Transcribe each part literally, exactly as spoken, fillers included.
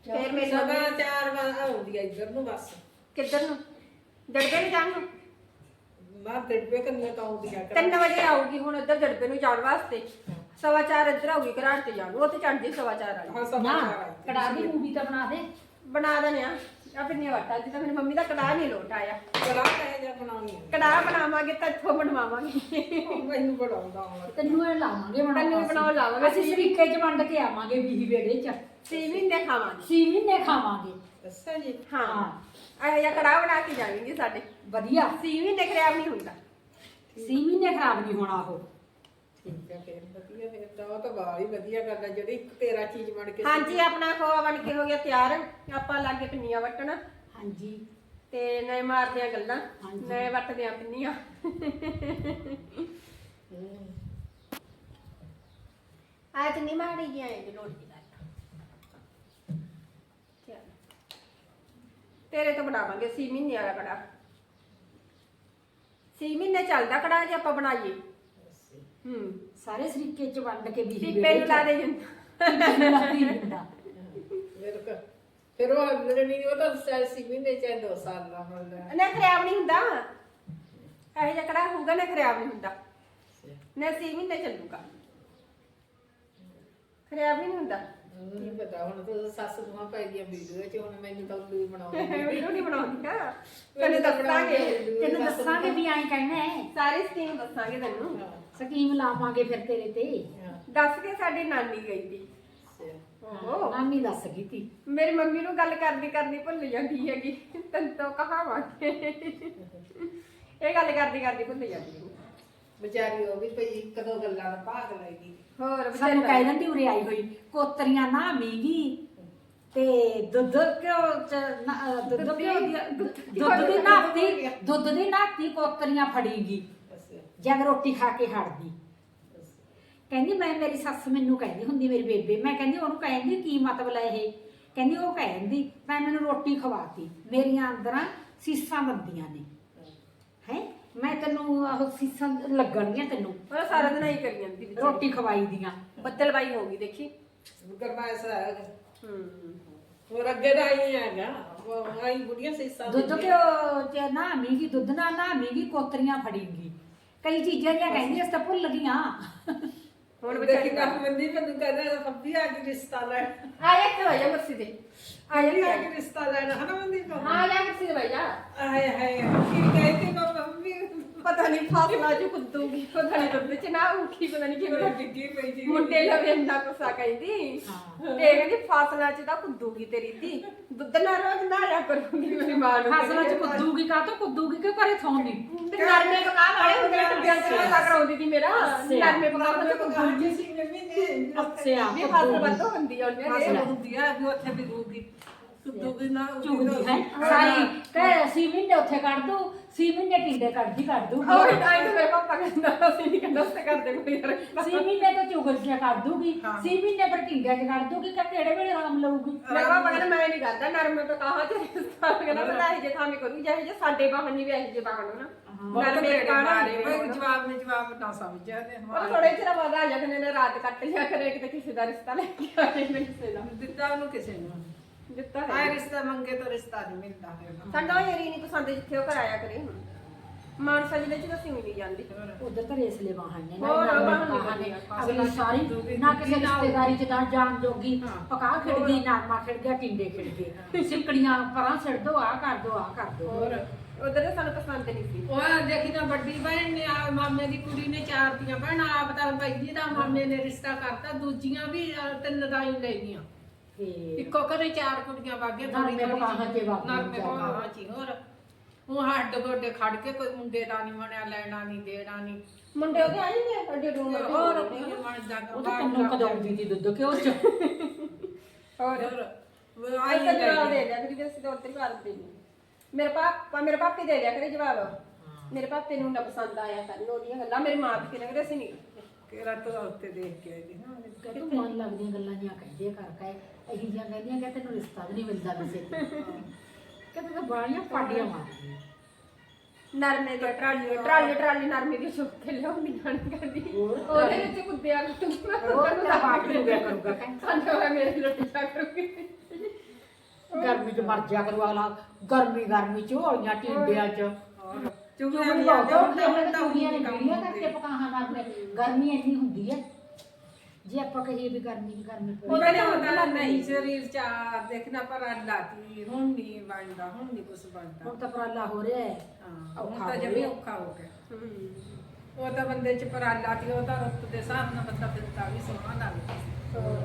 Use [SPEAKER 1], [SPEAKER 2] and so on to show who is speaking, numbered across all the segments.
[SPEAKER 1] ਫਿਰ ਮੇਰੀ
[SPEAKER 2] ਸਵਾ
[SPEAKER 1] ਮੰਮੀ
[SPEAKER 2] ਚਾਰ ਵਜੇ ਆਉਂਦੀ ਆ ਇੱਧਰ ਨੂੰ ਬਸ।
[SPEAKER 1] ਕਿੱਧਰ ਨੂੰ ਦੜਬੇ ਨੂੰ ਜਾਣ ਨੂੰ
[SPEAKER 2] ਮੈਂ ਡੱਬੇ ਕੰਨੇ ਤਾਂ ਆਉਂਦੀ ਆ
[SPEAKER 1] ਤਿੰਨ ਵਜੇ ਆਊਗੀ ਹੁਣ ਇੱਧਰ ਦੜਬੇ ਨੂੰ ਜਾਣ ਵਾਸਤੇ। ਸਵਾ ਚਾਰ ਇੱਧਰ ਆਊਗੀ ਘਰਾੜ ਤੇ ਜਾਣ ਉਹ ਤੇ ਚੜਦੀ ਸਵਾ ਚਾਰ ਵਾਲੀ।
[SPEAKER 2] ਹਾਂ ਸਵਾ
[SPEAKER 3] ਨਾ
[SPEAKER 2] ਚਾਰ ਆਈ।
[SPEAKER 3] ਕੜਾਹ ਦੀ ਮੂਵੀ ਤਾਂ ਬਣਾ ਦੇ।
[SPEAKER 1] ਬਣਾ ਦਨੇ ਆ ਆ ਪਿੰਨੀਆਂ ਵਟਾ ਅੱਜ ਤਾਂ ਮੇਰੀ ਮੰਮੀ ਦਾ ਕੜਾਹ ਨਹੀਂ ਲੋਟ ਆਇਆ।
[SPEAKER 2] ਕੜਾਹ ਕਹਿ ਜਾ ਬਣਾਉਣੀ ਆ।
[SPEAKER 1] ਕੜਾਹ ਬਣਾਵਾਂਗੇ ਤਾਂ ਇੱਥੋਂ ਬਣਵਾਵਾਂਗੇ।
[SPEAKER 2] ਮੈਨੂੰ ਬਣਾਉਂਦਾ ਆਉਂਦਾ।
[SPEAKER 3] ਤੈਨੂੰ ਇਹ ਲਾਵਾਂਗੇ ਬਣਾਉਣ
[SPEAKER 1] ਤੈਨੂੰ
[SPEAKER 3] ਵਾਸਤੇ।
[SPEAKER 1] ਬਣਾਉਣ ਲਾਵਾਂਗੇ।
[SPEAKER 3] ਅਸੀਂ ਸ਼ਰੀਕੇ ਚ ਵੰਡ ਕੇ ਆਵਾਂਗੇ ਵੀਹ ਵੇੜੇ ਚ।
[SPEAKER 1] ਛੇ ਮਹੀਨੇ ਖਾਵਾਂਗੇ।
[SPEAKER 3] ਛੇ ਮਹੀਨੇ ਖਾਵਾਂਗੇ।
[SPEAKER 2] ਅੱਛਾ ਜੀ।
[SPEAKER 1] ਹਾਂ ਇਹ ਜਿਹਾ ਕੜਾਹ ਬਣਾ ਕੇ ਜਾਵਾਂਗੇ ਸਾਡੇ।
[SPEAKER 3] ਵਧੀਆ।
[SPEAKER 1] ਛੇ ਮਹੀਨੇ ਖਰਾਬ ਨਹੀਂ ਹੁੰਦਾ।
[SPEAKER 3] ਛੇ ਮਹੀਨੇ ਖਰਾਬ ਨਹੀਂ ਹੋਣਾ ਉਹ।
[SPEAKER 2] ਠੀਕ ਹੈ ਫਿਰ ਵਧੀਆ ਫਿਰ ਤਾਂ ਉਹ ਤਾਂ ਬਾਹਰ ਹੀ ਵਧੀਆ ਕਰਦਾ ਜਿਹੜੀ ਇੱਕ ਤੇਰਾ ਚੀਜ਼ ਬਣ ਕੇ।
[SPEAKER 1] ਹਾਂਜੀ ਆਪਣਾ ਖੋਆ ਬਣ ਕੇ ਹੋ ਗਿਆ ਤਿਆਰ। ਆਪਾਂ ਲਾਗੇ ਪਿੰਨੀਆਂ ਵੱਟਣ
[SPEAKER 3] ਹਾਂਜੀ
[SPEAKER 1] ਤੇ ਨਏ ਮਾਰਦੇ ਆ ਗੱਲਾਂ
[SPEAKER 3] ਹਾਂਜੀ।
[SPEAKER 1] ਨਏ ਵੱਟਦੇ ਆ ਪਿੰਨੀਆਂ। ਅੱਜ ਨਹੀਂ ਮਾੜੀ ਗਿਆ ਇਹ ਲੋੜ ਦੀ ਗੱਲ। ਚੱਲ ਤੇਰੇ ਤੋਂ ਬਣਾਵਾਂਗੇ ਛੇ ਮਹੀਨੇ ਵਾਲਾ ਕੜਾ। ਛੇ ਮਹੀਨੇ ਚੱਲਦਾ ਕੜਾ ਜੇ ਆਪਾਂ ਬਣਾਈਏ। ਹੂੰ
[SPEAKER 3] ਸਾਰੇ ਸ਼ਰੀਕੇ ਚ ਵੰਡ ਕੇ ਵੀਹ
[SPEAKER 1] ਪੀਪੇ
[SPEAKER 3] ਵੇੜੇ
[SPEAKER 1] ਨੂੰ
[SPEAKER 3] ਚ।
[SPEAKER 1] ਲਾ ਦੇ ਜਿੰਦਾ।
[SPEAKER 2] ਫਿਰ ਕ- ਫਿਰ ਉਹ ਅੰਦਰ ਨਹੀਂ ਉਹ ਤਾਂ ਸੈਲਸੀ ਮਹੀਨੇ ਚ ਦੋ ਸਾਲ ਦਾ ਹੁੰਦਾ।
[SPEAKER 1] ਨਾ ਖਰਾਬ ਨਹੀਂ ਹੁੰਦਾ। ਇਹ ਜਿਹਾ ਕੜਾ ਹੋਊਗਾ ਨਾ ਖਰਾਬ ਨਹੀਂ ਹੁੰਦਾ। ਨਾ ਛੇ ਮਹੀਨੇ ਚੱਲੂਗਾ ਖਰਾਬ ਨਹੀਂ ਹੁੰਦਾ।
[SPEAKER 2] ਨਹੀਂ ਪਤਾ ਹੁਣ ਤਾਂ ਸੱਸ ਨੂੰ ਪੈ ਗਈਆਂ ਵੀਡੀਓ ਚ ਹੁਣ ਮੈਨੂੰ ਤਾਂ ਉੱਲੂ ਹੀ ਬਣਾਉਣੀ।
[SPEAKER 1] ਵੀਡੀਓ ਨਹੀਂ ਬਣਾਉਂਦੀਆਂ ਤੈਨੂੰ ਦੱਸਾਂਗੇ।
[SPEAKER 3] ਤੈਨੂੰ ਦੱਸਾਂਗੇ ਵੀ ਐਂ ਕਹਿਣਾ ਹੈ।
[SPEAKER 1] ਸਾਰੀ ਸਕੀਮ ਦੱਸਾਂਗੇ ਤੈਨੂੰ।
[SPEAKER 3] ਸਕੀਮ ਲਾਵਾਂਗੇ ਫਿਰ ਤੇਰੇ ਤੇ।
[SPEAKER 1] ਦੱਸ ਕੇ ਸਾਡੀ ਨਾਨੀ ਗਈ ਸੀ। ਓਹੋ
[SPEAKER 3] ਨਾਨੀ ਦੱਸ ਗਈ ਤੀ।
[SPEAKER 1] ਮੇਰੀ ਮੰਮੀ ਨੂੰ ਗੱਲ ਕਰਦੀ ਕਰਦੀ ਭੁੱਲ ਜਾਂਦੀ ਹੈਗੀ। ਤੈਨੂੰ ਤਾਂ ਕਹਾਵਾਂਗੇ ਇਹ ਗੱਲ ਕਰਦੀ ਕਰਦੀ ਭੁੱਲ ਜਾਂਦੀ ਹੈ।
[SPEAKER 2] ਵਿਚਾਰੀ ਉਹ ਵੀ ਭਈ ਇੱਕ ਦੋ ਗੱਲਾਂ ਦਾ ਭਾਗ ਲੈ ਗਈ।
[SPEAKER 1] ਹੋਰ
[SPEAKER 3] ਸਾਨੂੰ
[SPEAKER 1] ਵਿਚਾਰੀ
[SPEAKER 3] ਕਹਿ ਦਿੰਦੀ ਉਰੇ ਆਈ ਹੋਈ ਕੋਤਰੀਆਂ ਨਾ ਮੀਂਗੀ ਤੇ ਦੁੱਧ ਕਿਉਂ ਚ ਨਾ- ਅਹ ਦੁੱਧ ਕਿਉਂ ਦੀ ਦੁੱਧ ਦੀ ਨਾਤੀ ਦੁੱਧ ਦੀ ਨਾਤੀ ਕੋਤਰੀਆਂ ਫੜੀਗੀ ਜਦ ਰੋਟੀ ਖਾ ਕੇ ਹਟਦੀ। ਕਹਿੰਦੀ ਮੈਂ ਮੇਰੀ ਸੱਸ ਮੈਨੂੰ ਕਹਿੰਦੀ ਹੁੰਦੀ ਮੇਰੀ ਬੇਬੇ ਮੈਂ ਕਹਿੰਦੀ ਉਹਨੂੰ ਕਹਿੰਦੀ ਕੀ ਮਤਲਬ ਹੈ ਇਹ ਕਹਿੰਦੀ ਉਹ ਕਹਿੰਦੀ ਮੈਂ ਮੈਨੂੰ ਰੋਟੀ ਖਵਾਤੀ ਮੇਰੀਆਂ ਅੰਦਰਾਂ ਸੀਸਾਂ ਬੰਦੀਆਂ ਨੇ ਹੈ ਮੈਂ ਤੈਨੂੰ ਉਹ ਸੀਸਾਂ ਲੱਗਣਗੀਆਂ ਤੈਨੂੰ
[SPEAKER 1] ਉਹ ਸਾਰਾ ਦਿਨ ਹੀ ਕਰੀ ਜਾਂਦੀ ਵਿਚਾਰੀ।
[SPEAKER 3] ਰੋਟੀ ਖਵਾਈ ਦੀਆਂ।
[SPEAKER 1] ਬੱਦਲਬਾਈ ਹੋ ਗਈ ਦੇਖੀ।
[SPEAKER 2] ਗਰਮਾਇਸ਼ ਹੈ।
[SPEAKER 1] ਹੂੰ
[SPEAKER 2] ਹੋਰ ਅੱਗੇ ਦਾ ਹੀ ਹੈਗਾ ਉਹ ਆਈ ਬੁੜੀਆਂ ਸੀਸਾਂ
[SPEAKER 3] ਦੁੱਧ ਕਿਉਂ ਚ ਨਾ ਮੀਂਗੀ ਦੁੱਧ ਨਾ ਨਾ ਮੀਂਗੀ ਕੋਤਰੀਆਂ ਫੜੀਗੀ ਕਈ ਚੀਜ਼ਾਂ ਜਿਹਾ ਕਹਿੰਦੀ ਅਸ ਤਾਂ ਭੁੱਲ ਗਈਆਂ।
[SPEAKER 1] ਹੁਣ
[SPEAKER 2] ਦੇਖੀ
[SPEAKER 1] ਵਿਚਾਰੀ
[SPEAKER 2] ਤਾਂ ਮੰਦੀ ਮੈਨੂੰ ਕਹਿੰਦਾ ਸੱਭੀ ਆ ਕੇ ਰਿਸ਼ਤਾ ਲੈਣ
[SPEAKER 1] ਆਇਆ ਕਿ ਹੋਇਆ ਕੁਰਸੀ ਤੇ
[SPEAKER 2] ਆਈ ਆ ਕੇ ਰਿਸ਼ਤਾ ਲੈਣ ਹਨਾ ਮੰਦੀ ਕੋ
[SPEAKER 1] ਹਾਂ ਜਾ ਕੁਰਸੀ ਤੇ ਬੈਠਾ।
[SPEAKER 2] ਆਏ ਹਾਏ ਕੀ ਕਹਿੰਦੀ ਬਾਬਾ ਮੰਮੀ
[SPEAKER 1] ਪਤਾ ਨਹੀਂ ਫਾਸਲਾ ਚ ਕੁੱਦੂਗੀ ਪਤਾ ਨਹੀਂ ਦੁੱਧ ਚ ਨਾ ਉਠੀ ਪਤਾ ਨਹੀਂ
[SPEAKER 2] ਕਿਵੇਂ
[SPEAKER 1] ਕਿਵੇਂ
[SPEAKER 2] ਡਿੱਗੀ ਪਈ ਸੀ
[SPEAKER 1] ਮੁੰਡੇ ਲਵੇ ਇੰਨਾ ਗੁੱਸਾ ਕਹਿੰਦੀ
[SPEAKER 3] ਹਾਂ।
[SPEAKER 1] ਤੇ ਕਹਿੰਦੀ ਫਾਸਲਾ ਚ ਤਾਂ ਕੁੱਦੂਗੀ ਤੇਰੀ ਧੀ ਦੁੱਧ ਨਾ ਰੋਜ਼ ਨਾ ਰਿਆ ਕਰੂਗੀ ਮੇਰੀ ਮਾਂ ਨੂੰ।
[SPEAKER 3] ਫਸਲਾਂ ਚ ਕੁੱਦੂਗੀ ਕਾ ਤੋਂ ਕੁੱਦੂਗੀ ਕਿ ਘਰੇ ਥੋਂਦੀ
[SPEAKER 1] ਤੇ ਨਰਮੇ ਪਕਾ ਵਾਲੇ ਹੁੰਦੇ ਨੇ ਬਿਆਨ ਤੇ ਲੱਗ ਕਰਾਉਂਦੀ ਸੀ ਮੇਰਾ ਨਰਮੇ ਪਕਾ ਕੇ ਕੁੱਦੂਗੀ
[SPEAKER 2] ਸੀ ਮੰਮੀ ਨੇ
[SPEAKER 3] ਅੱਛਾ
[SPEAKER 1] ਵੀ ਫਾਸਲ ਵੱਧ ਹੁੰਦੀ ਆ ਉਹਨੇ
[SPEAKER 2] ਫਸਲ
[SPEAKER 1] ਦੇ
[SPEAKER 2] ਹੁੰਦੀ ਆ ਵੀ ਉੱਥੇ ਵੀ ਰੂਗੀ ਕੁੱਦੂਗੀ ਨਾ
[SPEAKER 3] ਚੁਗਦੀ ਹੈ ਸਾਰੀ ਤੇ ਸੀ ਮਹੀਨੇ ਉੱਥੇ ਕੱਢ ਦੂ ਸੀ ਮਹੀਨੇ ਟਿੰਡੇ ਕੱਢਦੀ ਕੱਢ ਦੂ
[SPEAKER 1] ਹੋਰ ਆਈ ਤਾਂ ਮੇਰੇ ਪਾਪਾ ਕਹਿੰਦਾ ਅਸੀਂ ਨਹੀਂ ਕਹਿੰਦਾ ਉਸੇ ਕਰਦੇ ਕੋਈ ਯਾਰ
[SPEAKER 3] ਸੀ ਮਹੀਨੇ ਤੋਂ ਚੁਗਲੀਆਂ ਕਰ ਦੂਗੀ ਸੀ ਮਹੀਨੇ ਪਰ ਟਿੰਡੇ ਚ ਕੱਢ ਦੂਗੀ ਕਿ ਕਿਹੜੇ ਵੇਲੇ ਆਰਾਮ ਲਊਗੀ।
[SPEAKER 1] ਮੇਰੇ ਪਾਪਾ ਕਹਿੰਦਾ ਮੈਂ ਨਹੀਂ ਕਰਦਾ ਨਰਮੇ ਤੋਂ ਕਹਾ ਤੇ ਕਹਿੰਦਾ ਮੈਂ ਇਹ ਜੇ ਥਾਵੇਂ ਕਰੂੰ ਜਿਹੇ ਜੇ ਸਾਡੇ ਬਾਹਰ ਨਹੀਂ ਵੀ ਇਹ ਜੇ ਬਾਹਰ ਨੂੰ ਨਾ ਨਰਮੇ ਕਾਣਾ
[SPEAKER 2] ਜਵਾਬ ਨੇ ਜਵਾਬ ਨਾ ਸਮਝਿਆ ਤੇ
[SPEAKER 1] ਉਹ ਥੋੜੇ ਚਿਰ ਬਾਅਦ ਆ ਜਾਂਦੇ ਨੇ ਰਾਤ ਕੱਟ ਲਿਆ ਕਰੇ ਕਿਤੇ ਕਿਸੇ ਦਾ ਰਿਸ਼ਤਾ ਲੈ ਕੇ ਆ ਜਾਂਦੇ ਨੇ ਕਿਸੇ ਦਾ
[SPEAKER 2] ਦਿੱਤਾ ਉਹਨੂੰ ਕਿਸੇ ਨੂੰ
[SPEAKER 1] ਦਿੱਤਾ
[SPEAKER 2] ਆਏ
[SPEAKER 1] ਹੈ
[SPEAKER 2] ਰਿਸ਼ਤਾ ਮੰਗੇ ਤਾਂ ਰਿਸ਼ਤਾ ਨਹੀਂ ਮਿਲਦਾ ਹੈ
[SPEAKER 1] ਸਾਡਾ ਉਹ ਏਰੀ ਨਹੀਂ ਪਸੰਦ ਜਿੱਥੇ ਉਹ ਕਰਾਇਆ ਕਰੇ ਮਾਨਸਾ ਜ਼ਿਲ੍ਹੇ ਚ ਤਾਂ ਸਿਉਂ ਨਹੀਂ ਜਾਂਦੀ
[SPEAKER 3] ਉਧਰ ਤਾਂ ਰੇਸਲੇ ਵਾਹਨ ਨੇ
[SPEAKER 1] ਹੋਰ
[SPEAKER 3] ਨਾ
[SPEAKER 1] ਵਾਹਨ ਨੀ
[SPEAKER 3] ਵਾਹਨ ਨੇ
[SPEAKER 1] ਬਣਿਆ।
[SPEAKER 3] ਅਗਲੀ ਸਾਰੀ ਨਾ ਕਿਸੇ ਰਿਸ਼ਤੇਦਾਰੀ ਚ ਤਾਂ ਜਾਣ ਜੋਗੀ ਪਕਾ ਖਿੜ ਗਈ ਨਾਰਮਾ ਖਿੜ ਗਿਆ ਟਿੰਡੇ ਖਿੜ ਗਏ ਸਿੱਕੜੀਆਂ ਪਰਾਂ ਛੱਡ ਦੋ ਆ ਕਰ ਦੋ ਆ ਕਰ ਦੋ
[SPEAKER 1] ਹੋਰ ਉਧਰ ਤਾਂ ਸਾਨੂੰ ਪਸੰਦ ਨਹੀਂ ਸੀ
[SPEAKER 2] ਉਹ ਦੇਖੀ ਤਾਂ ਵੱਡੀ ਭੈਣ ਨੇ ਆ ਮਾਮੇ ਦੀ ਕੁੜੀ ਨੇ ਚਾਰ ਦੀਆਂ ਭੈਣਾਂ ਆਪ ਤਾਂ ਪੈਦੀ ਦਾ ਮਾਮੇ ਨੇ ਰਿਸ਼ਤਾ ਕਰਤਾ ਦੂਜੀਆਂ ਵੀ ਅਹ, ਤਿੰਨ ਦਾ ਹੀ ਲੈ ਗਈਆਂ
[SPEAKER 3] ਤੇ
[SPEAKER 2] ਇੱਕੋ ਘਰੇ ਚਾਰ ਕੁੜੀਆਂ ਵਾਗੇ
[SPEAKER 3] ਨਰਮੇ ਪਕਾਹਾਂ ਚ ਵਗ ਗਈਆਂ
[SPEAKER 2] ਨਰਮੇ ਪਕਾਹਾਂ ਚ ਹੀ, ਹੋਰ ਉਹ ਹੱਡ ਗੋਡੇ ਖੜ ਕੇ ਕੋਈ ਮੁੰਡੇ ਦਾ ਨਹੀਂ ਬਣਿਆ ਲੈਣਾ ਨਹੀਂ ਦੇਣਾ ਨਹੀਂ
[SPEAKER 1] ਮੁੰਡੇ ਉਹਦੇ ਆਏ ਨੇ ਅੱਡੇ ਰੂਮ
[SPEAKER 2] ਹੋਰ
[SPEAKER 1] ਹੋਰ
[SPEAKER 2] ਬਣਦਾ
[SPEAKER 3] ਉਹ ਤਾਂ ਕੰਨੋਂ ਕਦਾਉਂਦੀ ਸੀ ਦੁੱਧ ਕਿਉਂ ਚ
[SPEAKER 1] ਹੋਰ
[SPEAKER 2] ਹੋਰ
[SPEAKER 1] ਆਈ
[SPEAKER 2] ਆਈ
[SPEAKER 1] ਤਾਂ ਜਵਾਬ ਦੇ ਦਿਆ ਕਰੀ ਅਸੀਂ ਤਾਂ ਉੱਧਰ ਹੀ ਕਰ ਦੇ ਮੇਰੇ ਪਾਪਾ ਮੇਰੇ ਪਾਪੇ ਦੇ ਦਿਆ ਕਰੇ ਜਵਾਬ ਮੇਰੇ ਪਾਪੇ ਨੂੰ ਨਾ ਪਸੰਦ ਆਇਆ ਕਰਨ ਉਹਦੀਆਂ ਗੱਲਾਂ ਮੇਰੇ ਮਾਂ ਪਿਓ ਨੇ ਕਹਿੰਦੇ ਅਸੀਂ ਨਹੀਂ
[SPEAKER 2] ਕਿਹੜਾ ਤੂੰ ਉੱਤੇ ਦੇਖ ਕੇ ਆਈ ਨਾ
[SPEAKER 3] ਤੂੰ ਮਨ ਲੱਗਦੀਆਂ ਗੱਲਾਂ ਜੀਆਂ ਕਹਿੰਦੇ ਕਰ ਕਹੇ ਇਹੀ ਜੀਆਂ ਕਹਿੰਦੀਆਂ ਕਿ ਤੈਨੂੰ ਰਿਸ਼ਤਾ ਵੀ ਨਹੀਂ ਮਿਲਦਾ ਕਿਸੇ ਤੇ ਕਹਿੰਦੇ ਤਾਂ ਬਾਣੀਆਂ ਪਾਡੀਆਂ ਮਾਰਦੀਆਂ
[SPEAKER 1] ਨਰਮੇ ਦੀ ਟਰਾਲੀ ਟਰਾਲੀ ਟਰਾਲੀ ਨਰਮੇ ਦੀ ਚੁੱਕ ਕੇ ਲਿਆਉਂਦੀ ਨਾਲ ਕਰਦੀ ਉਹਦੇ ਵਿੱਚ ਕੁੱਦਿਆ
[SPEAKER 3] ਹੋਰ ਤਾਂ ਬਾਟ ਹੋ ਗਿਆ ਕਰੂਗਾ ਕਹਿੰਦਾ
[SPEAKER 1] ਸੰਦਾ ਹੋਇਆ ਮੇਰੇ ਰੋਟੀ ਖਾ ਕਰੂਗੀ
[SPEAKER 3] ਗਰਮੀ ਚ ਮਰ ਜਾ ਕਰੂ ਅਗਲਾ ਗਰਮੀ ਗਰਮੀ ਝੋਲੀਆਂ ਟਿੰਡਿਆਂ ਚ
[SPEAKER 2] ਚੁਗਲੀਆਂ
[SPEAKER 3] ਚੁਗਲੀ
[SPEAKER 2] ਵੀ
[SPEAKER 3] ਬਹੁਤ
[SPEAKER 2] ਆਉਂਦੀਆਂ,
[SPEAKER 3] ਹੁੰਦੀਆਂ
[SPEAKER 2] ਹੁਣ ਤਾਂ
[SPEAKER 3] ਚੁਗਲੀਆਂ ਨੇ
[SPEAKER 2] ਕੰਮ
[SPEAKER 3] ਵੀਡੀਓ
[SPEAKER 2] ਹੁੰਦੇ।
[SPEAKER 3] ਕਰਕੇ ਪਕਾਹਾਂ ਨਾਲ ਗਰਮੀ ਇੰਨੀ ਹੁੰਦੀ ਹੈ ਜੇ ਆਪਾਂ ਕਹੀਏ ਵੀ ਗਰਮੀ ਦੀ ਗਰਮੀ ਪਊ।
[SPEAKER 2] ਉਹਨੇ ਹੁੰਦਾ ਨਹੀਂ ਸਰੀਰ ਚ ਆ ਦੇਖਣਾ ਪਰ ਅੱਲਾ ਕੀ ਹੁਣ ਨਹੀਂ ਬਣਦਾ, ਹੁਣ ਨਹੀਂ ਕੁਝ ਬਣਦਾ।
[SPEAKER 3] ਹੁਣ ਤਾਂ ਪਰਾਲਾ ਹੋ ਰਿਹਾ ਹੈ
[SPEAKER 2] ਹਾਂ
[SPEAKER 3] ਔਖਾ
[SPEAKER 2] ਹੁਣ ਤਾਂ
[SPEAKER 3] ਹੋ
[SPEAKER 2] ਜਮੀ
[SPEAKER 3] ਰਿਹਾ।
[SPEAKER 2] ਔਖਾ ਹੋ ਗਿਆ। ਉਹ ਤਾਂ ਬੰਦੇ ਚ ਪਰਾਲਾ ਤੀ, ਉਹ ਤਾਂ ਰੁੱਤ ਦੇ ਹਿਸਾਬ ਨਾਲ ਬੰਦਾ ਦਿੰਦਾ ਵੀ ਸੋਹਣਾ ਲੱਗਦਾ।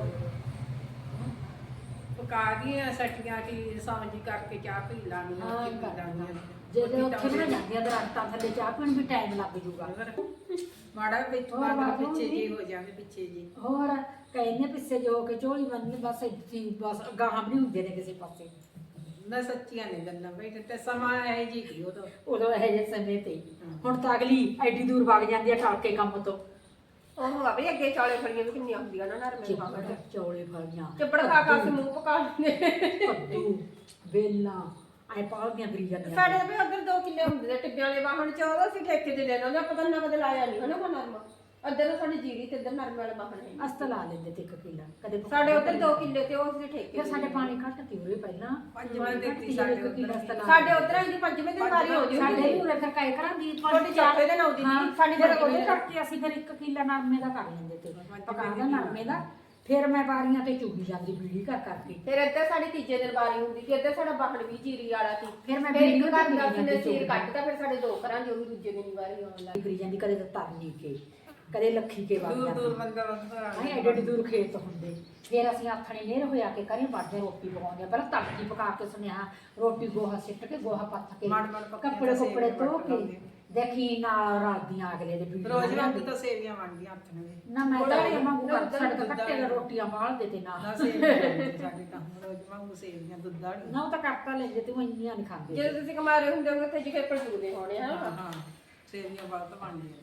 [SPEAKER 2] ਪਕਾ ਦੀਆਂ ਸਟੀਆਂ ਕੀ ਸਾਂਝੀ ਕਰਕੇ ਚਾਹ ਪੀ ਲਾਂਗੀ
[SPEAKER 3] ਹਾਂ
[SPEAKER 2] ਪੀ ਲਾਂਗੀ।
[SPEAKER 3] ਜੇ ਉੱਥੇ ਬਣਾ ਜਾਂਦੀਆਂ ਦਰਖਤਾਂ ਥੱਲੇ ਚਾਹ ਪੀਣ ਵੀ ਟਾਈਮ ਲੱਗ ਜੂਗਾ।
[SPEAKER 2] ਮਾੜਾ ਵਿੱਚ
[SPEAKER 3] ਹੋਰ
[SPEAKER 2] ਬਾਅਦ
[SPEAKER 3] ਬਾਅਦ
[SPEAKER 2] ਪਿੱਛੇ
[SPEAKER 3] ਵੀ।
[SPEAKER 2] ਜੇ ਹੋ ਜਾਵੇ ਪਿੱਛੇ ਜੀ
[SPEAKER 3] ਹੋਰ ਕਹਿੰਦੇ ਪਿੱਛੇ ਜੋ ਕੇ ਝੋਲੀ ਬੰਨ੍ਹਨੀ ਬਸ ਇੱਥੇ ਹੀ, ਬਸ ਗਾਹਾਂ ਵੀ ਨਹੀਂ ਹੁੰਦੇ ਨੇ ਕਿਸੇ ਪਾਸੇ।
[SPEAKER 2] ਨਾ ਸੱਚੀਆਂ ਨੇ ਗੱਲਾਂ ਬਈ ਤੇ ਸਮਾਂ ਇਹ ਜੀ ਕੀ ਉਦੋਂ
[SPEAKER 3] ਉਦੋਂ ਇਹੋ ਜਿਹੇ ਸਮੇਂ ਤੇ ਹੁਣ ਤਾਂ ਅਗਲੀ ਐਡੀ ਦੂਰ ਵਗ ਜਾਂਦੀ ਆ ਟਲ ਕੇ ਕੰਮ ਤੋਂ।
[SPEAKER 1] ਉਹ ਆ ਵੀ ਅੱਗੇ ਚੌਲੇ ਫੜੀਆਂ ਵੀ ਕਿੰਨੀਆਂ ਹੁੰਦੀਆਂ ਨਾ ਨਰਮੇ ਖਾ ਕੇ
[SPEAKER 3] ਚੌਲੇ ਫਲੀਆਂ
[SPEAKER 1] ਚੱਪੜ ਖਾ ਖਾ ਕੇ ਮੂੰਹ ਪਕਾ ਲੈਂਦੇ।
[SPEAKER 3] ਕੱਦੂ ਵੇਲਾਂ ਐ ਪਾਲਦੀਆਂ ਫਰੀ ਜਾਂਦੀਆਂ।
[SPEAKER 1] ਸਾਡੇ ਵੀ ਉਧਰ ਦੋ ਕਿੱਲੇ ਹੁੰਦੇ ਨੇ ਟਿੱਬਿਆਂ ਵਾਲੇ ਵਾਹਣ ਚ, ਉਹ ਅਸੀਂ ਠੇਕੇ ਤੇ ਲੈਣਾ ਉਹਦਾ ਪਤਾ ਨਾ ਕਦੇ ਲਾਇਆ ਨਹੀਂ ਹਨਾ ਕੋ ਨਰਮਾ। ਇੱਧਰ ਸਾਡੀ ਜੀਰੀ ਤੇ ਇੱਧਰ ਨਰਮੇ ਵਾਲੇ ਵਾਹਣ ਹੈ।
[SPEAKER 3] ਅਸਤ ਲਾ ਲੈਂਦੇ ਤੇ ਇੱਕ ਕਿੱਲਾ ਕਦੇ
[SPEAKER 1] ਸਾਡੇ ਉਧਰ ਦੋ ਕਿੱਲੇ ਤੇ ਉਹ ਅਸੀਂ ਠੇਕੇ
[SPEAKER 3] ਫਿਰ ਸਾਡੇ ਪਾਣੀ ਘੱਟ ਤੀ ਉਰੇ ਪਹਿਲਾਂ
[SPEAKER 2] ਪੰਜਵਾਂ
[SPEAKER 3] ਘੱਟ
[SPEAKER 2] ਦਿੱਤੀ
[SPEAKER 3] ਤੀ
[SPEAKER 2] ਸਾਡੇ
[SPEAKER 3] ਇੱਕ ਕਿੱਲਾ ਅਸਤ ਲਾ
[SPEAKER 1] ਸਾਡੇ ਉਧਰ ਦੀ ਪੰਜਵੇਂ ਦਿਨ ਵਾਰੀ ਹੋ
[SPEAKER 3] ਸਾਡੇ
[SPEAKER 1] ਜੂਗੀ।
[SPEAKER 3] ਵੀ ਉਰੇ ਫਿਰ ਕਾਇ ਕਰਾਂ ਦੀ
[SPEAKER 1] ਤੁਹਾਡੀ ਚੌਥੇ ਦਿਨ ਆਉਂਦੀ
[SPEAKER 3] ਹਾਂ,
[SPEAKER 1] ਸੀ, ਸਾਡੀ
[SPEAKER 3] ਫਿਰ
[SPEAKER 1] ਪੰਜਵੇਂ
[SPEAKER 3] ਉਹਦੇ
[SPEAKER 1] ਦਿਨ।
[SPEAKER 3] ਕਰਕੇ ਅਸੀਂ ਫਿਰ ਇੱਕ ਕਿੱਲਾ ਨਰਮੇ ਦਾ ਕਰ ਲੈਂਦੇ ਤੇ ਪਕਾ ਦਾ ਨਰਮੇ ਦਾ। ਫਿਰ ਮੈਂ ਬਾਰੀਆਂ ਤੇ ਚੁਗੀ ਜਾਂਦੀ ਬੀੜੀ ਕਰ ਕਰਕੇ।
[SPEAKER 1] ਫਿਰ ਇੱਧਰ ਸਾਡੀ ਤੀਜੇ ਦਿਨ ਵਾਰੀ ਹੁੰਦੀ ਸੀ, ਇੱਧਰ ਸਾਡਾ ਵਾਹਣ ਵੀ ਜੀਰੀ ਵਾਲਾ ਸੀ।
[SPEAKER 3] ਫਿਰ ਮੈਂ
[SPEAKER 1] ਫਿਰ ਇੱਕ
[SPEAKER 3] ਵੀਡੀਓ
[SPEAKER 1] ਘਰ
[SPEAKER 3] ਤੇ
[SPEAKER 1] ਦਾ
[SPEAKER 3] ਜਾਂਦੀ
[SPEAKER 1] ਕਿੰਨੇ ਸੀਰ
[SPEAKER 3] ਚੁਗੀ
[SPEAKER 1] ਕੱਟਦਾ, ਫਿਰ ਸਾਡੇ ਦੋ ਘਰਾਂ ਦੀ ਉਹ ਵੀ ਦੂਜੇ ਦਿਨ ਵਾਰੀ ਆਉਣ ਲੱਗ
[SPEAKER 3] ਕਰੀ ਜਾਂਦੀ ਕਦੇ ਤਾਂ ਤਰਨੀ ਕੇ ਕਦੇ ਲੱਖੀ ਕੇ ਵਗ
[SPEAKER 2] ਦੂਰ ਦੂਰ
[SPEAKER 3] ਜਾਂਦੀ।
[SPEAKER 2] ਬੰਦਾ ਬੰਦਾ
[SPEAKER 3] ਹਾਂ ਐਡੇ ਐਡੇ ਦੂਰ ਖੇਤ ਹੁੰਦੇ। ਫਿਰ ਅਸੀਂ ਆਥਣੇ ਨੇਰ ਹੋਇਆ ਕੇ ਕਰੇ ਵੜਦੇ ਰੋਟੀ ਪਕਾਉਂਦੇ ਪਹਿਲਾਂ ਤੜਕੀ ਪਕਾ ਕੇ ਸੁਨੇਹਾ ਰੋਟੀ ਗੋਹਾ ਸਿੱਟ ਕੇ ਗੋਹਾ ਪੱਥ ਕੇ
[SPEAKER 2] ਮੜ ਮੜ ਪੱਕੇ
[SPEAKER 3] ਕੱਪੜੇ
[SPEAKER 2] ਤਾਂ
[SPEAKER 3] ਕੱਪੜੇ
[SPEAKER 2] ਸੇਵੀਆਂ
[SPEAKER 3] ਧੋ
[SPEAKER 2] ਵੱਟ
[SPEAKER 3] ਕੇ
[SPEAKER 2] ਲਾਉਂਦੇ।
[SPEAKER 3] ਦੇਖੀ ਨਾਲ ਰਾਤੀਆਂ ਅਗਲੇ ਦੇ ਵੀਡੀਓ
[SPEAKER 2] ਰੋਜ਼ ਵਾਂਗੂ ਤਾਂ ਸੇਵੀਆਂ ਬਣਦੀਆਂ ਹੱਥ ਨਾਲ
[SPEAKER 3] ਨਾ ਮੈਂ
[SPEAKER 1] ਥੋੜ੍ਹਾ
[SPEAKER 3] ਤਾਂ
[SPEAKER 1] ਜਿਹਾ
[SPEAKER 3] ਮੰਗੂ ਕਰ
[SPEAKER 1] ਦੁੱਧ
[SPEAKER 3] ਸਾਡੇ ਤਾਂ
[SPEAKER 2] ਦੁੱਧ
[SPEAKER 3] ਕੱਟੇ
[SPEAKER 2] ਵਾਲੀ।
[SPEAKER 3] ਰੋਟੀਆਂ ਬਾਲਦੇ ਤੇ ਨਾ
[SPEAKER 2] ਨਾ ਸੇਵੀਆਂ ਬਣਦੀਆਂ ਸਾਡੇ ਤਾਂ ਹੁਣ ਰੋਜ਼ ਵਾਂਗੂ ਸੇਵੀਆਂ ਦੁੱਧ ਵਾਲੀਆਂ।
[SPEAKER 3] ਨਾ ਉਹ ਤਾਂ ਕਰਤਾ ਲੈਂਦੇ ਤੇ ਉਹ ਇੰਨੀਆਂ ਨਹੀਂ ਖਾਂਦੇ
[SPEAKER 1] ਜਦੋਂ ਤੁਸੀਂ ਕਮਾਰੇ ਹੁੰਦੇ ਹੋ ਉੱਥੇ ਜਿਕੇ ਪੜਜੂਦੇ ਹੋਣੇ
[SPEAKER 2] ਹਾਂ
[SPEAKER 1] ਹਾਂ।
[SPEAKER 2] ਹਾਂ ਸੇਵੀਆਂ ਬਹੁਤ ਬਣਦੀਆਂ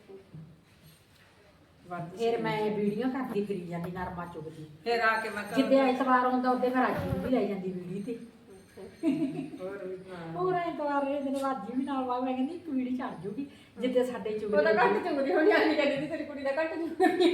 [SPEAKER 2] ਵੱਧ
[SPEAKER 3] ਫਿਰ ਮੈਂ ਵੀਡੀਓ ਕਰਦੀ ਫਿਰੀ ਜਾਂਦੀ ਨਰਮਾ ਚੁਗਦੀ।
[SPEAKER 2] ਫਿਰ ਆ ਕੇ ਮੈਂ ਘਰ-
[SPEAKER 3] ਜਿੱਦੇ ਐਤਵਾਰ ਆਉਂਦਾ ਉਹਦੇ ਫਿਰ ਰਾਜੀ ਨੂੰ ਵੀ ਲੈ ਜਾਂਦੀ ਵੀਡੀ ਤੇ
[SPEAKER 2] ਹੋਰ ਵੀ ਹਾਂ।
[SPEAKER 3] ਹੋਰ ਐਤਵਾਰ ਇਹ ਦਿਨ ਰਾਜੀ ਵੀ ਨਾਲ ਵਾ ਮੈਂ ਕਹਿੰਦੀ ਇੱਕ ਵੀਡੀ ਚੜ ਜੂਗੀ ਜਿੱਦੇ ਸਾਡੇ
[SPEAKER 1] ਉਹ
[SPEAKER 3] ਚੁਗਦੀ
[SPEAKER 1] ਤਾਂ ਘੱਟ ਚੁਗਦੀ ਹੋਣੀ ਆਣੀ ਕਹਿੰਦੀ ਤੇਰੀ ਕੁੜੀ ਦਾ ਘੱਟ ਚੁਗਦੀ।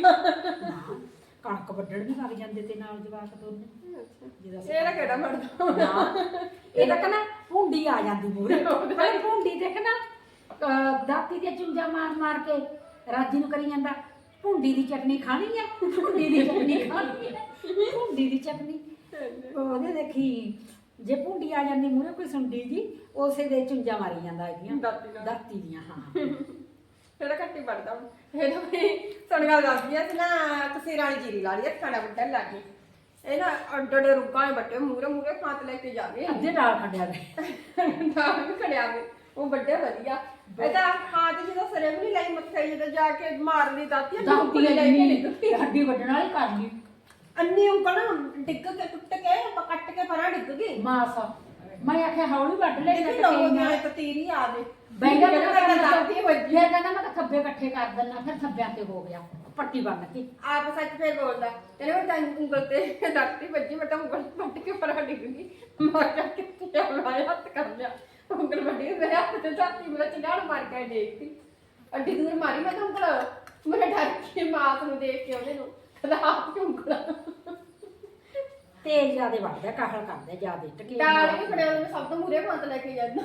[SPEAKER 3] ਕਣਕ ਵੱਢਣ ਵੀ ਲੱਗ ਜਾਂਦੇ ਤੇ ਨਾਲ ਜਵਾਕ ਦੋਨੇ ਜਿਹਦਾ ਅਸੀਂ-
[SPEAKER 1] ਇਹਦਾ ਕਿਹੜਾ ਮਰਦਾ
[SPEAKER 3] ਨਾ, ਇਹ ਤਾਂ ਕਹਿੰਦਾ ਭੁੰਡੀ ਆ ਜਾਂਦੀ ਮੂਰੇ ਪਹਿਲੇ ਭੁੰਡੀ ਤੇ ਕਹਿੰਦਾ ਅਹ ਦਾਤੀ ਦੇ ਚੁੰਝਾ ਮਾਰ ਮਾਰ ਕੇ ਰਾਜੀ ਨੂੰ ਕਰੀ ਜਾਂਦਾ ਭੁੰਡੀ ਦੀ ਚਟਨੀ ਖਾਣੀ ਆ ਭੁੰਡੀ ਦੀ ਚਟਨੀ ਖਾਣੀ ਆ ਭੁੰਡੀ ਦੀ ਚਟਨੀ। ਉਹਦੇ ਦੇਖੀ ਜੇ ਭੁੰਡੀ ਆ ਜਾਂਦੀ ਮੂਰੇ ਕੋਈ ਸੁੰਡੀ ਜੀ ਉਸੇ ਦੇ ਚੁੰਝਾ ਮਾਰੀ ਜਾਂਦਾ ਇਹਦੀਆਂ
[SPEAKER 1] ਦਾਤੀ ਨਾਲ।
[SPEAKER 3] ਦਾਤੀ ਦੀਆਂ ਹਾਂ
[SPEAKER 1] ਇਹਦਾ ਘੱਟ ਹੀ ਵੜਦਾ ਇਹਦਾ ਵੀ ਸੁਣ ਗੱਲ ਦੱਸਦੀ ਆ ਤੇ ਨਾ ਤੁਸੀਂ ਰਾਣੀ ਜੀਰੀ ਲਾ ਲਈ ਖਾਣਾ ਬੁੱਢਾ ਲਾ ਕੇ ਇਹ ਨਾ ਅੱਡੇ ਰੁੱਗਾਂ ਬੱਟੇ ਮੂਰੇ ਮੂਰੇ ਖਾਤ ਲੈ ਕੇ ਜਾਵੇ
[SPEAKER 3] ਅੱਧੇ ਨਾਲ ਖੰਡਿਆ ਗਏ
[SPEAKER 1] ਨਾਲ ਵੀ ਖੜਿਆ ਵੇ ਉਹ ਵੱਡੇ ਵਧੀਆ ਇਹਦਾ ਖਾਤ ਜਦੋਂ ਸਰੇ ਵੀ ਨਹੀਂ ਲਈ ਮੱਥੇ ਜਦੋਂ ਜਾ ਕੇ ਮਾਰ ਲਈ ਦਾਤੀ
[SPEAKER 3] ਦਾਤੀ
[SPEAKER 1] ਲੈ ਕੇ
[SPEAKER 3] ਨੇ
[SPEAKER 1] ਨਿਕਲੀ
[SPEAKER 3] ਹੱਡੀ ਵੱਢਣ ਵਾਲੀ ਕਰ ਲਈ
[SPEAKER 1] ਅੰਨੀ ਉਂਗਲ ਡਿੱਗ ਕੇ ਟੁੱਟ ਕੇ ਕੱਟ ਕੇ ਪਰਾਂ ਡਿੱਗ ਗਈ
[SPEAKER 3] ਮਾਸ ਮੈਂ ਆਖਿਆ ਹੌਲੀ ਵੱਢ ਲੈ
[SPEAKER 1] ਦੇਖੀ ਲੋਗੋ ਦੀਆਂ ਤੀਰੀ ਆ ਗਏ
[SPEAKER 3] ਬੈਂਗਾ
[SPEAKER 1] ਮੈਂ
[SPEAKER 3] ਮੈਂ
[SPEAKER 1] ਦਾਤੀ ਵੱਜੀ
[SPEAKER 3] ਫਿਰ ਕਹਿੰਦਾ ਮੈਂ ਤਾਂ ਥੱਬੇ ਇਕੱਠੇ ਕਰ ਦਿੰਦਾ ਫਿਰ ਥੱਬਿਆਂ ਤੇ ਹੋ ਗਿਆ ਪੱਟੀ ਬੰਨ ਕੇ
[SPEAKER 1] ਆਪ ਸੱਚ ਫੇਰ ਬੋਲਦਾ ਤੇਰੇ ਮੈਂ ਤਾਂ ਉਂਗਲ ਤੇ ਦਾਤੀ ਵੱਜੀ ਮੈਂ ਤਾਂ ਉਂਗਲ ਵੱਟ ਕੇ ਪਰਾਂ ਡਿੱਗ ਗਈ ਮਾਰ ਕੇ ਕਿੱਥੇ ਆਇਆ ਹੱਥ ਕਰ ਲਿਆ ਉਂਗਲ ਵੱਡੀ ਮੇਰੇ ਹੱਥ ਤੇ ਦਾਤੀ ਮੇਰਾ ਚਿੜਾੜ ਮਾਰ ਕੇ ਦੇਖਤੀ ਅੱਡੀ ਦੂਰ ਮਾਰੀ ਮੈਂ ਤਾਂ ਉਂਗਲ ਮੇਰੇ ਡਰ ਕੇ ਮਾਸ ਨੂੰ ਦੇਖ ਕੇ ਉਹਦੇ ਨੂੰ ਕਹਿੰਦਾ ਆਪ ਕਿਉਂ ਉਂਗਲ
[SPEAKER 3] ਤੇਜ਼ ਜਿਆਦੇ ਵੱਢਦਾ ਕਾਹਲ ਕਰਦਾ ਜਿਆਦੇ ਟਕੇ
[SPEAKER 1] ਦਾਲ ਵੀ ਖੜਿਆ ਉਹਨੇ ਸਭ ਤੋਂ ਮੂਰੇ ਪੰਤ ਲੈ ਕੇ ਜਾਂਦਾ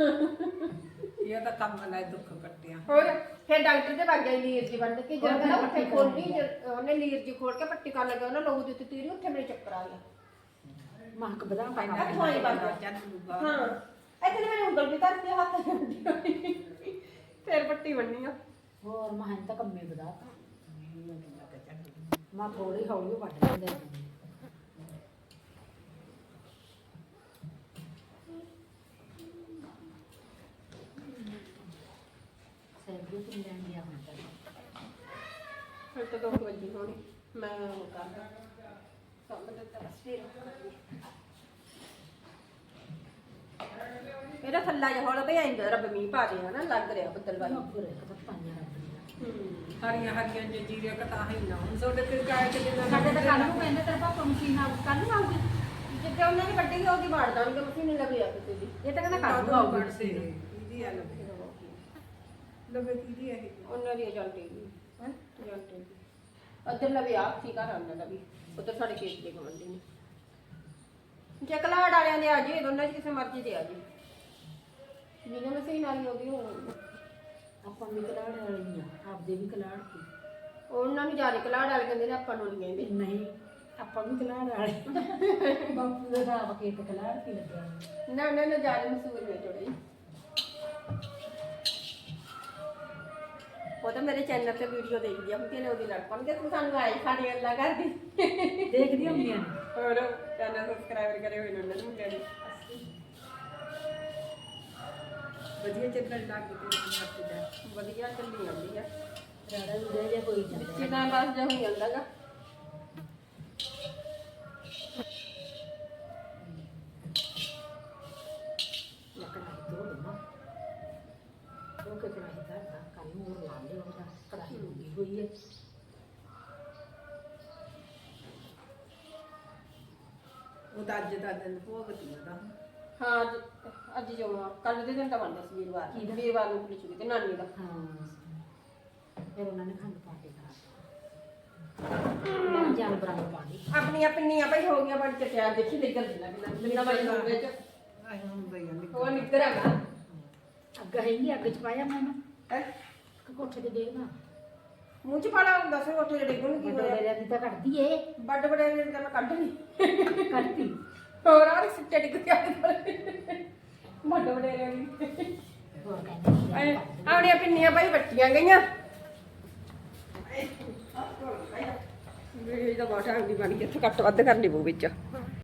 [SPEAKER 2] ਇਹ ਤਾਂ ਕੰਮ ਨਾਲ ਦੁੱਖ ਕੱਟਿਆ।
[SPEAKER 1] ਹੋਰ ਫਿਰ ਡਾਕਟਰ ਦੇ ਵਗ ਗਿਆ ਲੀਰ ਜੀ ਬੰਦ ਕੇ ਜਦੋਂ ਕਹਿੰਦਾ ਉੱਥੇ ਖੋਲਣੀ ਜਦ ਉਹਨੇ ਲੀਰ ਜੀ ਖੋਲ ਕੇ ਪੱਟੀ ਕਰਨ ਲੱਗਾ ਉਹਨਾਂ ਲੋਹੂ ਦੇ ਉੱਤੇ ਤੀਰੀ ਉੱਥੇ ਮੇਰੇ ਚੱਕਰ ਆ ਗਿਆ
[SPEAKER 3] ਮਹਕ ਬਦਾਮ ਪਾ
[SPEAKER 1] ਹੱਥ ਵਾਲੀ ਬੰਦ ਹਾਂ ਇੱਥੇ ਤੇ ਮੈਨੂੰ ਉਂਗਲ ਵੀ ਧਰਤੀ ਆ, ਹੱਥ ਫਿਰ ਪੱਟੀ ਬੰਨੀ ਆ
[SPEAKER 3] ਹੋਰ ਮਹਾਂ ਤਾਂ ਕੰਮੇ ਬਦਾ ਮਾ ਥੋੜੀ ਹੌਲੀ ਵੱਢ ਲੈਂਦੇ ਸੈਂਡੂ ਤੇ ਲੈਣ ਗਿਆ ਹੁਣ ਤਾਂ
[SPEAKER 1] ਫਿਰ ਤਾਂ ਦੋ ਵਜੇ ਹੋਣੀ ਮੈਂ ਉਹ ਕਰਦਾ ਕੰਮ ਦਾ ਤਾਂ ਬਸ ਫਿਰ ਇਹਦਾ ਥੱਲਾ ਜਿਹਾ ਹੌਲਾ ਪਿਆ ਇੰਦਾ ਰੱਬ ਮੀਂਹ ਪਾ ਰਿਹਾ ਨਾ ਲੱਗ ਰਿਹਾ ਬੱਦਲ ਵਾਲੀ
[SPEAKER 3] ਨੌਕਰ ਇੱਕ ਤਾਂ ਪਾਈਆਂ ਰੱਖਦੀਆਂ
[SPEAKER 2] ਹਰੀਆਂ ਹਰੀਆਂ ਜੰਜੀਰੀਆਂ ਕਤਾ ਹੀ ਨਾ ਹੁਣ ਤੁਹਾਡੇ ਤੇ ਕਾਇ ਕਿ ਦਿਨ
[SPEAKER 3] ਸਾਡੇ ਤਾਂ ਕੱਲ ਨੂੰ ਕਹਿੰਦੇ ਤੇਰੇ ਪਾਪਾ ਮਸ਼ੀਨ ਆ ਕੱਲ ਨੂੰ ਆਊਗੀ
[SPEAKER 1] ਜਿੱਦੇ ਉਹਨਾਂ ਨੇ ਵੱਡੀ ਉਹਦੀ ਮਾਰ ਦਾਂਗੇ ਮਸ਼ੀਨ ਲੱਗ ਜਾ ਕਿਸੇ ਦੀ
[SPEAKER 3] ਇਹ ਤਾਂ ਕਹਿੰਦਾ ਕੱਲ ਨੂੰ
[SPEAKER 2] ਕਾਦੂ
[SPEAKER 3] ਆਊਗੀ
[SPEAKER 2] ਬੜਸੇ ਇਹਦੀ ਆ ਲੱਗੇ ਲੱਗੇ ਕਿਹਦੀ ਹੈ ਇਹ
[SPEAKER 1] ਉਹਨਾਂ ਦੀ ਏਜੰਟ ਹੀ ਹੈ ਏਜੰਟ ਹੀ ਅੱਧਰ ਲਵੇ ਆ ਠੀਕ ਆ ਰੰਨ ਦਾ ਵੀ ਉਧਰ ਸਾਡੇ ਖੇਤ ਦੇ ਗਵੰਡੀ ਨੇ ਜੇ ਕਲਾੜ ਵਾਲਿਆਂ ਦੇ ਆ ਜੀ ਦੋਨਾਂ ਚ ਕਿਸੇ ਮਰਜ਼ੀ ਦੇ ਆ ਜੀ ਜਿਹਨੇ ਮਸ਼ੀਨ ਵਾਲੀ ਹੋਗੀ ਉਹ
[SPEAKER 3] ਆਪਾਂ ਵੀ ਕਲਾੜ ਵਾਲੀ ਆ ਆਪਦੇ ਵੀ ਕਲਾੜ ਕੀ
[SPEAKER 1] ਉਹਨਾਂ ਨੂੰ ਜਾਰੇ ਕਲਾੜ ਵਾਲੇ ਕਹਿੰਦੇ ਨੇ ਆਪਾਂ ਨੂੰ ਨਹੀਂ ਕਹਿੰਦੇ
[SPEAKER 3] ਨਹੀਂ ਆਪਾਂ ਵੀ ਕਲਾੜ ਵਾਲੇ ਬਾਪੂ ਦਾ ਦਾ ਕੇ ਤੇ ਕਲਾੜ ਕੀ ਲੱਗਿਆ
[SPEAKER 1] ਨਾ ਨਾ ਨਾ ਜਾਰੇ ਮਸੂਰ ਨੇ ਥੋੜੇ ਉਹ ਤਾਂ ਮੇਰੇ ਚੈਨਲ ਤੇ ਵੀਡੀਓ ਦੇਖਦੀ ਆ ਹੁੰਦੀ ਨੇ ਉਹਦੀ ਲੜ ਪਣ ਤੂੰ ਸਾਨੂੰ ਆਏ ਖਾਣੇ ਅੱਲਾ ਕਰਦੀ
[SPEAKER 3] ਦੇਖਦੀ ਹੁੰਦੀਆਂ ਨੇ
[SPEAKER 1] ਹੋਰ ਚੈਨਲ ਸਬਸਕ੍ਰਾਈਬ ਕਰੇ ਹੋਏ ਨੇ ਉਹਨਾਂ ਨੂੰ ਮੁੰਡਿਆਂ ਨੇ
[SPEAKER 2] ਵਧੀਆ ਚੱਲਣ ਲੱਗ ਗਈ ਤੇ ਮੱਤ ਦਾ
[SPEAKER 1] ਵਧੀਆ ਚੱਲੀ ਜਾਂਦੀ ਆ
[SPEAKER 3] ਰਾੜਾ ਵੀ ਰਹਿ ਜਾ ਕੋਈ ਜਾਂਦਾ
[SPEAKER 1] ਵਿੱਚੇ ਟਾਈਮ ਪਾਸ ਜਿਹਾ ਹੋਈ ਜਾਂਦਾਗਾ
[SPEAKER 3] ਕੜਾਈ ਤੋਂ ਲੈਣਾ ਉਹ ਕਿ ਕੜਾਈ ਦਾ ਤਾਂ ਕੱਲ ਨੂੰ ਹੋਰ ਲਾ ਲਿਓ ਉਹਦਾ ਕੜਾਈ ਲੱਗੀ ਹੋਈ ਹੈ
[SPEAKER 2] ਉਹ ਤਾਂ ਅੱਜ ਦਾ ਦਿਨ ਭੋਗਤੀ ਉਹਦਾ
[SPEAKER 1] ਹਾਂ ਅੱਜ ਅੱਜ ਜੋ ਕੱਲ ਦੇ ਦਿਨ ਤਾਂ ਬਣਦਾ ਸੀ ਵੀਰਵਾਰ
[SPEAKER 3] ਕੀ ਦਾ?
[SPEAKER 1] ਵੀਰਵਾਰ ਨੂੰ ਪੁਲਿਸ ਤੇ ਨਾਨੀ ਦਾ
[SPEAKER 3] ਹਾਂ ਫਿਰ ਉਹਨਾਂ ਨੇ ਖੰਡ ਪਾ ਕੇ ਕਰਾ ਮੈਂ ਜਾਨਵਰਾਂ ਨੂੰ ਪਾਣੀ
[SPEAKER 1] ਆਪਣੀਆਂ ਪਿੰਨੀਆਂ ਭਾਈ ਹੋ ਗਿਆ ਬੜ ਚਟਿਆ ਦੇਖੀ ਨਿਕਲ ਦਿੰਦਾ ਕਿ ਨਾ ਮੈਂ ਨੂੰ ਵਿੱਚ
[SPEAKER 2] ਆਏ ਹੁੰਦੇ ਆ
[SPEAKER 1] ਉਹ ਨਿਕਲ ਆਗਾ
[SPEAKER 3] ਅੱਗ ਹੈ ਨਹੀਂ ਅੱਗ ਚ ਪਾਇਆ ਮੈਂ
[SPEAKER 1] ਹੈ
[SPEAKER 3] ਕਿ ਕੋਠੇ ਤੇ ਦੇਖਣਾ
[SPEAKER 1] ਮੂੰਹ ਚ ਪਾਲਾ ਹੁੰਦਾ ਸੀ ਉੱਥੇ ਜਿਹੜੇ ਡਿੱਗਣ ਕੀ
[SPEAKER 3] ਵੱਡੇ
[SPEAKER 1] ਹੋਇਆ
[SPEAKER 3] ਡੇਰਿਆਂ ਦੀ ਤਾਂ ਕੱਢਦੀ ਏ
[SPEAKER 1] ਵੱਡ ਬੜੇ ਨੇ ਤਾਂ ਮੈਂ ਕੱਢ ਨਹੀਂ
[SPEAKER 3] ਕੱਢਦੀ
[SPEAKER 1] ਹੋਰ ਆ ਸਿੱਟੇ ਡਿੱਗ ਗਿਆ ਵੱਡ ਬੜੇ ਨੇ
[SPEAKER 3] ਹੋਰ ਕਹਿੰਦੇ
[SPEAKER 1] ਆਪਣੀਆਂ ਪਿੰਨੀਆਂ ਭਾਈ ਵੱਟੀਆਂ ਗਈਆਂ ਵੀਡੀਓ ਦਾ ਬਹੁਤ ਟਾਈਮ ਦੀ ਬਣ ਗਈ ਇੱਥੇ ਕੱਟ ਵੱਧ ਕਰਨੀ ਪਊ ਵਿੱਚ